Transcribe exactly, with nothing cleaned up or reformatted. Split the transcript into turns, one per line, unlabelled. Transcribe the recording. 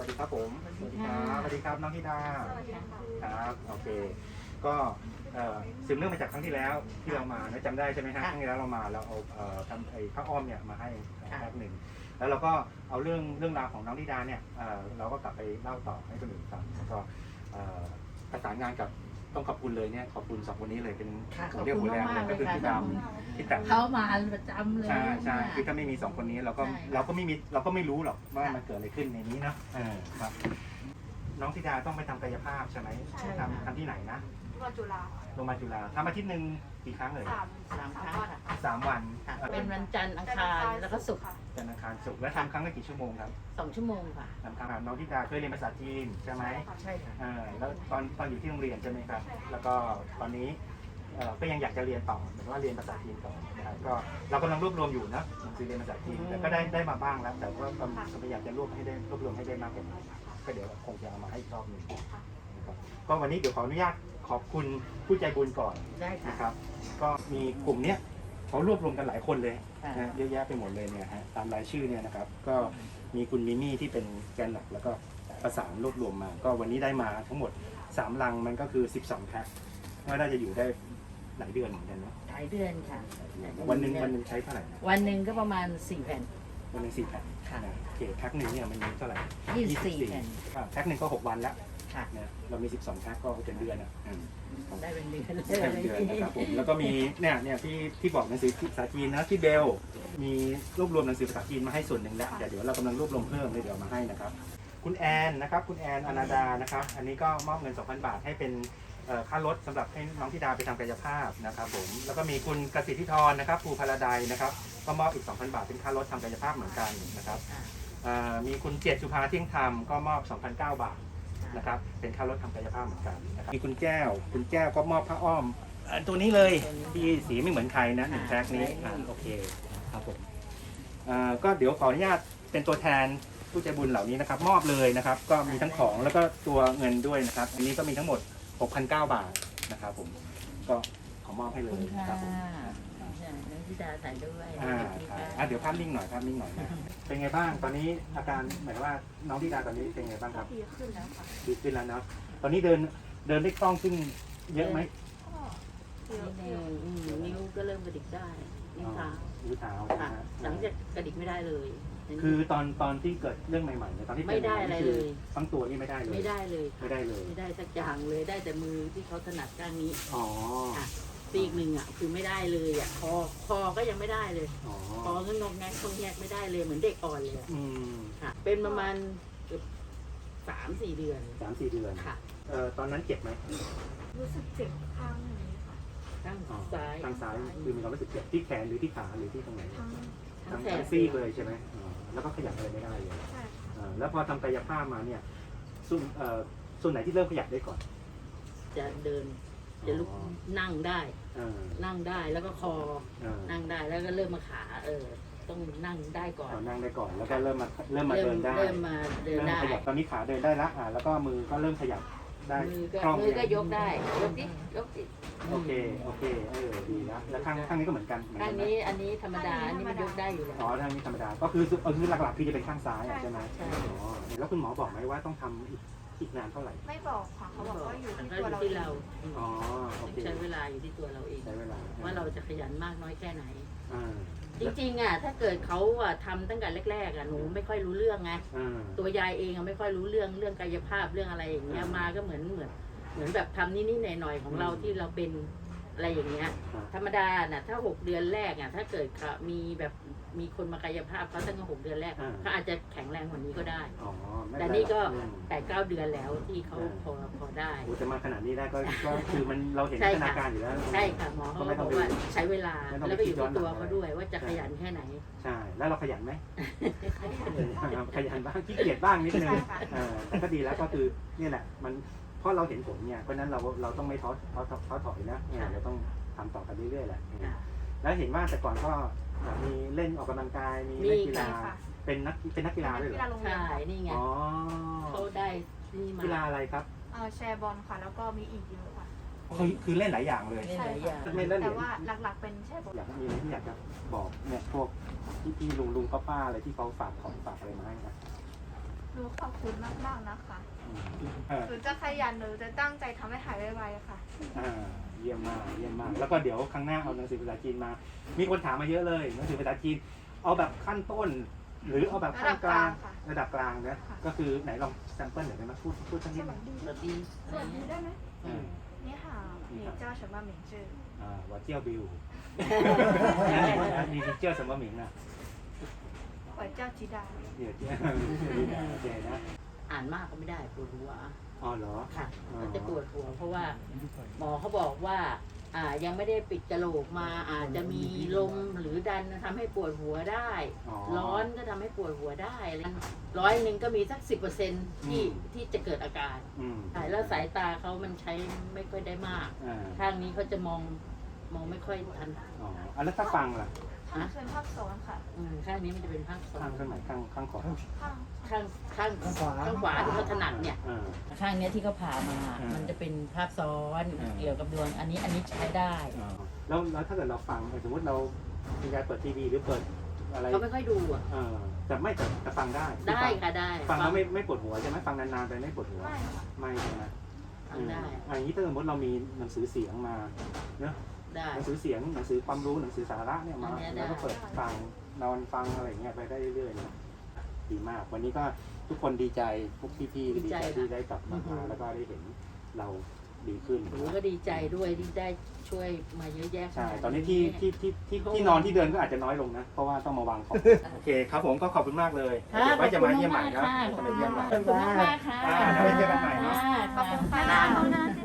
ดีครับผมสวัสดีครับสวัสดีครับน้องธิดา
สวัสดีค่ะ
ครับโอเคก็เอ่อสืบเนื่องมาจากครั้งที่แล้วที่เรามานะจำได้ใช่ไหมฮะครั้งที่แล้วเรามาเราเอาเอ่อทำไอ้ผ้าอ้อมเนี่ยมาให้แป๊บหนึ่งแล้วเราก็เอาเรื่องเรื่องราวของน้องธิดาเนี่ยเอ่อเราก็กลับไปเล่าต่อให้คนอื่นฟังแล้วก็เอ่อประสานงานกับต้องขอบคุณเลยเนี่ยขอบคุณสองคนนี้เลยเป็นหัวเรี่ยวหัวแรงเลยก็คือพี่ดำพี่แต๋ว
เขามาประจำเลย
ใช่ใช่คือถ้าไม่มีสองคนนี้เราก็
ใช่
เราก็ไม่มีเราก็ไม่รู้หรอกว่ามันเกิดอะไรขึ้นในนี้นะเออครับน้องธิดาต้องไปทำกายภาพใช่ไหม
ใช่
ทำทำที่ไหนนะ
โรงพยาบาลจุฬา
โรงพยาบาลจุฬาทำอาทิตย์หนึ่งกี่ครั้งเลย
สาม
สามครั้ง
วัน
ค่ะ
สามวัน
ค่ะ
เอ่อ
เป็นวันจันทร์อังคารแล้วก็ศุกร์
ค่ะ
จันทร์อังคารศุกร์แล้วทำครั้งละกี่ชั่วโมงครับ
สองชั่วโมงค่ะ
ทำครั้งละน้องธิดาเคยเรียนภาษาจีนใช่ไหม
ใช่ค่ะ
เออแล้วตอนตอนอยู่ที่โรงเรียนใช่ไหมครับ
ใช่ค่ะ
แล้วก็ตอนนี้เอ่อก็ยังอยากจะเรียนต่อเหมือนว่าเรียนภาษาจีนต่อนะครับก็เรากำลังรวบรวมอยู่นะหนังสือเรียนภาษาจีนแต่ก็ได้ได้มาบ้างแล้ว แต่ว่ากำลังอยากจะรวบให้ได้รวบรวมให้ได้มากกว่านี้ก็เดี๋ยวคงจะเอามาให้อีกรอบหนึ่งนะครับก็วันนี้เดี๋ยวขออนุญาตขอบคุณผู้ใจบุญก่อน
ได้ค่ะ
นะครับ ก็มีกลุ่มเนี้ยเขารวบรวมกันหลายคนเลย
ค่ะ
นะเยอะแยะไปหมดเลยเนี่ยฮะตามรายชื่อเนี่ยนะครับ ก็มีคุณมิมี่ที่เป็นแกนหลักแล้วก็ประสานรวบรวมมา ก็วันนี้ได้มาทั้งหมดสามลังมันก็คือสิบสองแพ็คว่าน่าจะอยู่ได้หลายเดือนเหมือนกันเนาะ
หลายเดือนค่ะ
วันหนึ่งวันหนึ่งใช้เท่าไหร่นะ
วันหนึ่งก็ประมาณสี่แผ่น
วันหนึ่งสี่แพ็ค
ค่ะ
นะโอเคแพ็คหนึ่งเนี่ยมันมีเท่าไหร่
ยี่สิบสี่แผ่น
อ่าแพ็คหนึ่งก็หกวันแล้ว
ค่ะ
เนี่ยเรามีสิบสองแพ็คก็เป็นเดือนอ่ะอืม
ได้เป็นเดือนเลย
ใช่เป็นเดือนนะครับผมแล้วก็มีเนี่ยเนี่ยที่ที่บอกหนังสือภาษาจีนนะที่เบลมีรวบรวมหนังสือภาษาจีนมาให้ส่วนหนึ่งแล้วเดี๋ยวเดี๋ยวเรากำลังรวบรวมเพิ่มเลยเดี๋ยวมาให้นะครับคุณแอนนะครับคุณแอนอนาดานะครับอันนี้ก็มอบเงิน สองพัน บาทให้เป็นเอ่อค่ารถสำหรับให้น้องธิดาไปทำกายภาพนะครับผมแล้วก็มีคุณกสิทธิธรนะครับภูพาราไดนะครับก็มอบอีก สองพัน บาทเป็นค่ารถทำกายภาพเหมือนกันนะครับเอ่อมีคุณเจียรติสุภาเที่ยงธรรมก็มอบ สองพันเก้า บาทนะครับเป็นค่ารถทำกายภาพเหมือนกันนะครับมีคุณแก้วคุณแก้วก็มอบผ้าอ้อมเอ่อตัวนี้เลยที่สีไม่เหมือนใครนะหนึ่งแพ็คนี้อ่าโอเคครับผมเอ่อก็เดี๋ยวขออนุญาตเป็นตัวแทนผู้ใจบุญเหล่านี้นะครับมอบเลยนะครับก็มีทั้งของแล้วก็ตัวเงินด้วยนะครับอันนี้ก็มีทั้งหมด หกพันเก้า บาทนะครับผมก็ขอมอบให้
ข
เล
อบ
ย
คุณค่ะ
ครับผม
น้องธิดาถ่ายด้วย
อ่าครับอ่ะเดี๋ยวภาพนิ่งหน่อยภาพนิ่งหน่อยนะเป็นไงบ้างตอนนี้อาการหมายว่าน้องธิดาตอนนี้เป็นไงบ้างค
ก็
รับ
ดีขึ้นแล้วค่ะ
ดีขึ้นแล้วเนาะตอนนี้เดินเดินได้คล่องขึ้นเยอะไหม
ก็เยอะ
นิ
เย
ว
อะ
อืมนิ้วก็เริ่มกระดิกได้นิ้วเท้า
นิ้วเท้านะ
ค่ะ
ฮะ
หลังจากกระดิกไม่ได้เลย
คือตอนตอนที่เกิดเรื่องใหม่ๆเนี่ยตอนที่เป็น
ไม่ได้อะไรเลย
ทั้งตัวนี่ไม่ได้เลย
ไม่ได้เลย
ไม่ได้เลย
ไม่ได้สักอย่างเลยได้แต่มือที่เขาถนัดข้างนี้
อ๋อ
ค่ะซีกหนึ่งอ่ะคือไม่ได้เลยอ่ะคอคอก็ยังไม่ได้เลย
อ๋อ
คอก็งอกแงกงอกแงกไม่ได้เลยเหมือนเด็กอ่อนเลยอะ
อืม
ค่ะ เป็นประมาณเกือบสามสี่เดือน
สามสี่เดือน
ค่ะ
เอ่อตอนนั้นเจ็บไหม
รู้สึกเจ็บข้างนี้ค่ะ
ข้าง
อ๋อ
ซ้าย
ทางซ้ายคือมีความรู้สึกเจ็บที่แขนหรือที่ขาหรือที่ตรงไหน
ทั้ง
ทั้
ทั้
ง
ง
แข
ทั้
น
งซี่เลยใช่ไหมอ๋อแล้วก็ขยับอะไรไม่ได้เลย
ใช่ค่ะ
อ่าแล้วพอทำกายภาพมาเนี่ยส่วนเอ่อส่วนไหนที่เริ่มขยับได้ก่อน
จะเดินจะลุก
อ๋อ
นั่งได้
เออ
นั่งได้แล้วก็คอ
เออ
นั่งได้แล้วก็เริ่มมาขาเออต้องนั่งได้ก่อน
เอานั่งได้ก่อนแล้วก็เริ่มมาเริ่มมาเดินได้
เริ่มมาเดิน
เริ่ม
ได้
ขยับตอนนี้ขาเดินได้ละอ่าแล้วก็มือก็เริ่มขยับได้
มือก็
คล่อง
มือก็
เนี่ย
ยกได้ยกสิยกสิ
โอเคโอเคเออดีนะแล้วข้างข้างนี้ก็เหมือนกันเหมือน
ข้า
กั
ง
นไหม
นี้อันนี้ธรรมดาอันนี้มันยกได้อยู่แล้ว
อ๋อข้างนี้ธรรมดาก็คือเออคือหลักๆคือจะเป็นข้างซ้ายอ่ะใช่ไหม
ใช่
อ๋อแล้วคุณหมอบอกไหมว่าต้องทำอีกอีกนานเท่าไหร่
ไม่บอกค่ะเขาบอกว่าอยู่
มัน
ที่
ก็
ตัว
อยู่
เรา
ที่เรา
อ๋อโอเค
ใช้เวลาอยู่ที่ตัวเราเอง
ใช้เวลา
ว่าเราจะขยันมากน้อยแค่ไหน
อ่า
จริงๆอ่ะถ้าเกิดเขาอ่ะทำตั้งแต่แรกๆอ่ะหนูไม่ค่อยรู้เรื่องไง
อ่า
ตัวยายเองอ่ะไม่ค่อยรู้เรื่องเรื่องกายภาพเรื่องอะไรอย่างเงี้ย
อ่าม
มาก็เหมือนเหมือนเหมือนแบบทำนิดๆหน่อยๆของเรา
อืม
ที่เราเป็นอะไรอย่างเงี้ย
อ่า
ธรรมดาน่ะถ้าหกเดือนแรกอ่ะถ้าเกิดเขามีแบบมีคนมากายภาพเขาตั้งแต่หกเดือนแรก
อ่า
เขาอาจจะแข็งแรงกว่านี้ก็ได้
อ๋อไม่
แต่
เป็ไร
นี่ก็
อืม
แปดเก้าเดือนแล้วที่เขา
อ่า
พอพอได้
โอ้จะมาขนาดนี้ได้ก็ก็คือมันเราเห็น
ใช่
พัฒ
ค่ะ
นาการอยู่แล้ว
ใช่ค่ะหมอเขาก็บอกว่าใช้เวลา
ไม่ต้องไป
แล้วก็อยู่
คิดย้อน
ที่ตัว
หลัง
เขาด้วยว่าจะขยันแค่ไหน
ใช่แล้วเราขยันไหม ขยันบ้างขี้เกียจบ้างนิดนึง
ใช่ค่ะ
เออแต่ก็ดีแล้วก็คือเนี่ยแหละมันเพราะเราเห็นผลเนี่ยเพราะฉะนั้นเราเราต้องไม่ท้อท้อท้อท้อถอยนะเนี่ยเราต้องทำต่อกันเรื่อยๆแหละ
ค่ะ
แล้วเห็นว่าแต่ก่อนก็มีเล่นออกกำลังกายมีเล่นกีฬา
มีค่ะ
เป็นนักเป็นนักกีฬาด้วยเหร
กีฬา
อ
โรงเรียน
ใช่
ค่ะ
นี่ไง
อ๋อ
เขาได้นี่มา
กีฬาอะไรครับ
เอ่อแชร์บอลค่ะ แล้วก็มีอีกเยอะค่ะ
คือคือเล่นหลายอย่างเลย
เล่นหลายอย่าง
ไม่เล่นเหรี
แต่
ยญ
ว่าหลักๆเป็นแชร์บอล
อยากมีอะไรที่อยากจะบอกเนี่ยพวกพี่พี่ลุงลุงป้าป้าอะไรที่เขาฝากของฝากอะไรมาให้นะ
หนูขอบคุณมากๆนะคะ
เออ
หนูจะขยันหนูจะตั้งใจทำให้หายไวๆค่ะ
อ่าเยี่ยมมากเยี่ยมมาก แล้วก็เดี๋ยวครั้งหน้าเอาหนังสือภาษาจีนมา มีคนถามมาเยอะเลยหนังสือภาษาจีนเอาแบบขั้นต้น หรือเอาแบบขั้นกลาง ระดับกลางนะ
ค่ะ
ก็คือไหนลองแซมเปิลหน่อยได้ไหมพูดพูดสักนิดหนึ่ง
สวัสดี
สวัสดีได้ไหม
อืม
นี่ค่ะ你叫什么名字
อ่าว่าเจียวบิวนี่เจียวสมหมิงอ่ะ
我叫吉达
เดี๋ยวเจียวโอเคนะ
อ่านมากก็ไม่ได้ปวดหัว
อ๋อเหรอ
ค่ะ
อ๋อ
มันจะปวดหัวเพราะว่าหมอเขาบอกว่าอ่ายังไม่ได้ปิดกระโหลกมาอาจจะมีลมหรือดันทำให้ปวดหัวได้
อ๋อ
ร้อนก็ทำให้ปวดหัวได้อะไรร้อยหนึ่งก็มีสักสิบเปอร์เซ็นที่
อืม
ที่จะเกิดอาการ
อืม
ใช่แล้วสายตาเขามันใช้ไม่ค่อยได้มาก
อ่า
ข้างนี้เขาจะมองมองไม่ค่อยทัน
อ๋ออ่ะแล้วถ้าฟังล่ะ
ภาคเป็นภาคสองค่ะ
อืมข้างนี้มันจะเป็นภาคสอ
ข้าง
ง
ข้างไหนข้างข้างขวา
ข้าง
ข้างข้างข้างขวาที่เขาถนัดเนี่ย
อ่า
ข้างเนี้ยที่เขาผ่ามา
อืม
มันจะเป็นภาพซ้อน
อืม
เกี่ยวกับดวง อันนี้อันนี้ใช้ได้
อ่าแล้วแล้วถ้าเกิดเราฟังสมมติเรามีการเปิดทีวีหรือเปิดอะไร
เขาไม่ค่อยดูอ่ะ
เออแต่ไม่แต่แต่ฟังได้
ได้ค่ะได้
ฟังแล้วไม่ไม่ปวดหัวใช่ไหมฟังนานๆไปไม่ปวดหัว
ไม่ค่ะ
ไม่ใช่ไหม
ฟังได้
อืมอันนี้ถ้าสมมติเรามีหนังสือเสียงมาเนอะ
ได้
หนังสือเสียงหนังสือความรู้หนังสือสาระเนี่ยมา
อันเนี้ยได้
แล้วก็เปิดฟังนอนฟังอะไรอย่างเงี้ยไปได้เรื่อยๆนะดีมาก วันนี้ก็ทุกคนดีใจพวกพี่ๆก็ดีใจที่ได้กลับมาหาแล้วก็ได้เห็นเราดีขึ้น
หนูก็ดีใจด้วยที่ได้ช่วยมาเยอะแยะ
ใช่
ขนาด
ตอนนี้ที่ที่ที่ที่ที่นอนที่เดินก็อาจจะน้อยลงนะ เพราะว่าต้องมาวางของ โอเคครับผมก็ขอบคุณมากเลย
ค่ะ
เดี๋ยวไว้จะมาเยี่ยมใหม่นะ
ขอบ
จะ
คุ
มา
ณ
เยี่ยมใหม่
มากค่ะขอบคุณมากค่ะ
อ่าเดี๋ยวไว้เจอกันใหม่นะ
ขอบคุณค่ะ